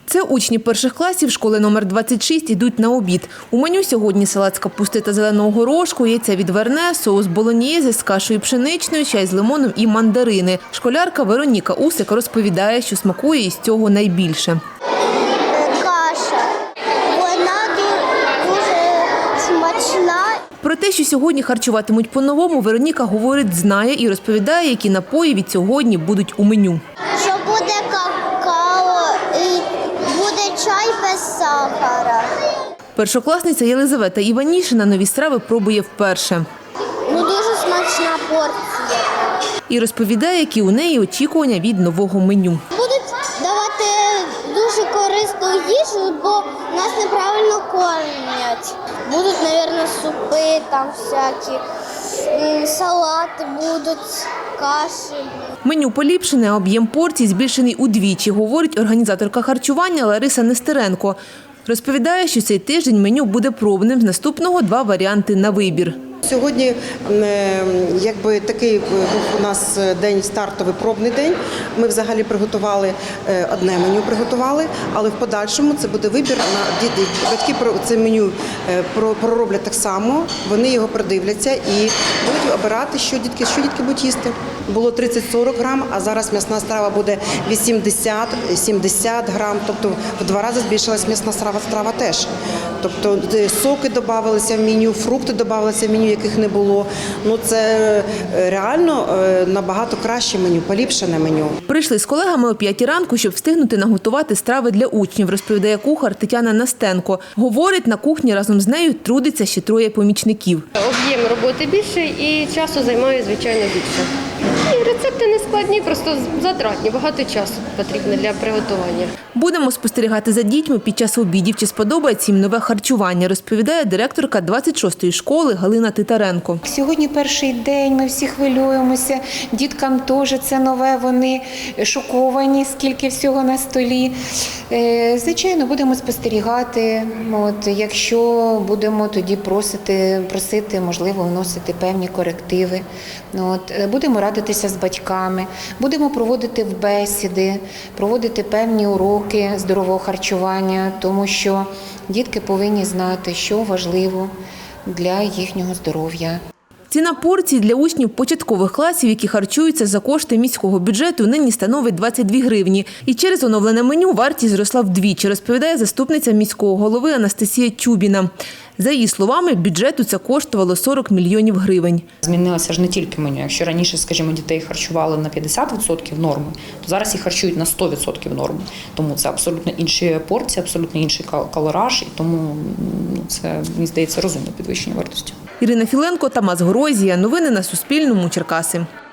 Це учні перших класів школи номер 26 йдуть на обід. У меню сьогодні салат з капусти та зеленого горошку, яйця відварне, соус болоньєзе з кашею пшеничною, чай з лимоном і мандарини. Школярка Вероніка Усик розповідає, що смакує із цього найбільше. Каша. Вона дуже смачна. Про те, що сьогодні харчуватимуть по-новому, Вероніка говорить, знає і розповідає, які напої від сьогодні будуть у меню. Що буде какао і буде чай без сахара. Першокласниця Єлизавета Іванішина нові страви пробує вперше. Дуже смачна порція. І розповідає, які у неї очікування від нового меню. Будуть давати дуже корисну їжу, бо нас неправильно кормять. Будуть, мабуть, супи, там всякі, салати будуть, каші. Меню поліпшене, а об'єм порцій збільшений удвічі, говорить організаторка харчування Лариса Нестеренко. Розповідає, що цей тиждень меню буде пробним, з наступного 2 варіанти на вибір. Сьогодні якби такий був у нас день, стартовий пробний день. Ми взагалі приготували одне меню, але в подальшому це буде вибір. Батьки це меню пророблять так само, вони його продивляться і будуть обирати, що дітки будуть їсти. Було 30-40 грам, а зараз м'ясна страва буде 80-70 грам, тобто в 2 рази збільшилась м'ясна страва теж. Тобто соки додавалися в меню, фрукти додавалися в меню, яких не було. Ну це реально набагато краще меню, поліпшене меню. Прийшли з колегами о 5 ранку, щоб встигнути наготувати страви для учнів, розповідає кухар Тетяна Настенко. Говорить, на кухні разом з нею трудиться ще 3 помічників. Об'єм роботи більше і часу займає, звичайно, більше. І рецепти не складні, просто затратні, багато часу потрібно для приготування. Будемо спостерігати за дітьми під час обідів, чи сподобається їм нове харчування, розповідає директорка 26-ї школи Галина Титаренко. Сьогодні перший день, ми всі хвилюємося, діткам теж це нове, вони шоковані, скільки всього на столі. Звичайно, будемо спостерігати, якщо будемо тоді просити, можливо, вносити певні корективи. Будемо радитися з батьками, будемо проводити бесіди, проводити певні уроки здорового харчування, тому що дітки повинні знати, що важливо для їхнього здоров'я. Ціна порцій для учнів початкових класів, які харчуються за кошти міського бюджету, нині становить 22 гривні. І через оновлене меню вартість зросла вдвічі, розповідає заступниця міського голови Анастасія Чубіна. За її словами, бюджету це коштувало 40 мільйонів гривень. Змінилося ж не тільки меню. Якщо раніше, скажімо, дітей харчували на 50% норми, то зараз їх харчують на 100% норми. Тому це абсолютно інші порції, абсолютно інший калораж, і тому це, мені здається, розумне підвищення вартості. Ірина Філенко, Тамас Горозія. Новини на Суспільному. Черкаси.